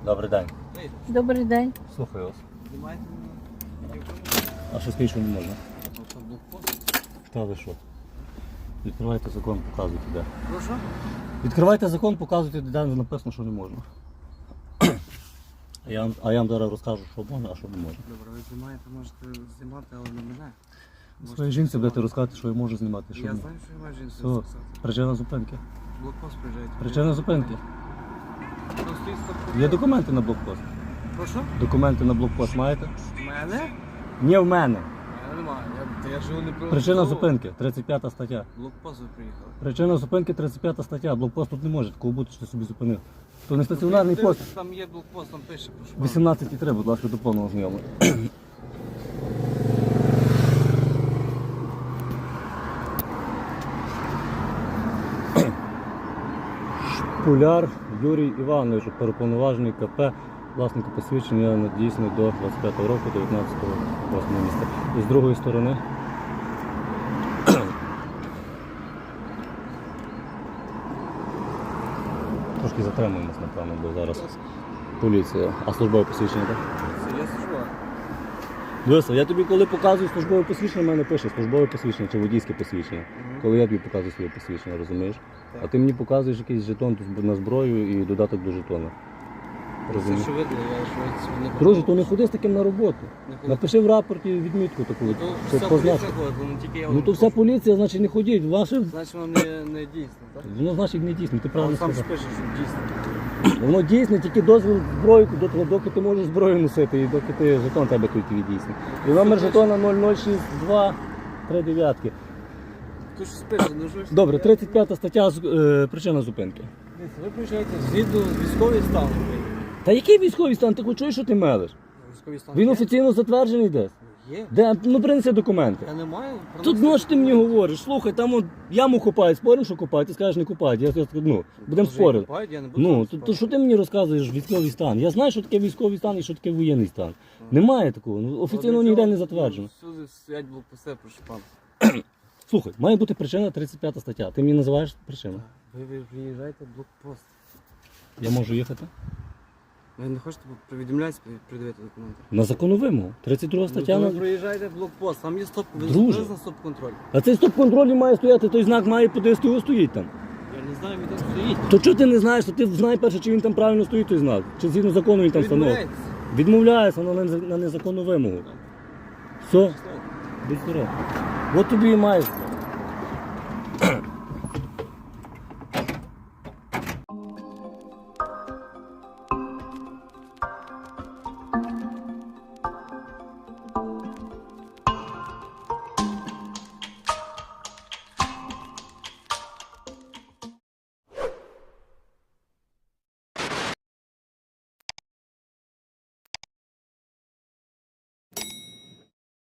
Добрий день. Добрий день. Слухаю вас. Знімаєте мене? А що скажіть, що не можна? Це блокпост. Та ви що? Відкривайте закон, показуйте де. Прошу? Відкривайте закон, показуйте, де написано, що не можна. А я вам зараз розкажу, що можна, а що не можна. Добре, ви знімаєте, можете знімати, але не мене. Своїй жінці будете розказати, що я можу знімати, що Я ні. знаю, що я маю жінку Все. записати. Причина зупинки. Блокпост приїжджаєте. Причина зупинки. Ну, стоїть стоп. Є документи на блокпост. Прошу? Документи на блокпост маєте? Мене? Ні, в мене. Я не маю. Я живу не про... Причина зупинки, 35 стаття. Блокпост ви приїхали. Причина зупинки 35 стаття. Блокпост тут не може такого бути, що ти собі зупинив. То не стаціонарний пост. Там є блокпост, там пише, прошу. 18,3, будь ласка, до повного знайомлення. Шпуляр Юрій Іванович, переповноважений КП, власнику посвідчення надійсний до 25 року, 19-8 місця. І з другої сторони. Трошки затримуємось, напевно, бо зараз поліція. А службове посвідчення, так? Це я служу. Дивися, я тобі коли показую службове посвідчення, в мене пише службове посвідчення чи водійське посвідчення. Коли я тобі показую своє посвідчення, розумієш? Так. А ти мені показуєш якийсь жетон на зброю і додаток до жетона. Це Розумієш? що видно, я що не Друже, то не ходи з таким на роботу. Не ходи. Напиши в рапорті відмітку таку. То Це вся позначку. поліція ходить, ну тільки я Ну вам то вся кажу. поліція, значить не ходіть. Ваше, Значить воно не дійсно, так? воно значить не дійсно, ти А правильно он сам ж сказав. пише, що дійсно. Воно дійсне, тільки дозвіл зброю, доки ти можеш зброю носити і доки ти жетон тебе тут дійсний. І номер жетона 0062 39. Ти ж спиш, ну що ж? Добре, 35 стаття, причина зупинки. Дивіться, ви приїжджаєте згідно військовий стан. Та який військовий стан? Ти хоч чуєш, що ти мелиш? Військовий стан Він є? офіційно затверджений десь. Є. Де? Ну принеси документи. Я не маю. Тут ну що ти мені говориш? Слухай, там от яму копають, споримо, що копають, ти скажеш не копають. Будемо спорити. Я не буду Ну, спорити. то що ти мені розказуєш військовий стан? Я знаю, що таке військовий стан і що таке воєнний стан. Немає такого. Ну, офіційно От для ніде цього не затверджено. Всюди стоять блокпости, прошу пан. Слухай, має бути причина 35 стаття. Ти мені називаєш причину. Ви приїжджаєте блокпост. Я можу їхати? Ви не хочете повідомляти, придивити документи? На законну вимогу. 32 стаття. Ви на- приїжджаєте блокпост, там є стоп, ви Друже. зупинились на стоп-контроль. А цей стоп-контролі має стояти, той знак має по ДСТУ стоїть там. Я не знаю, він там стоїть. То чого ти не знаєш, то ти знай перше, чи він там правильно стоїть той знак, чи згідно закону він там встановлений. Відмовляєтесь. Відмовляється на незаконну вимогу. Все, будь здоров. От тобі і маєш.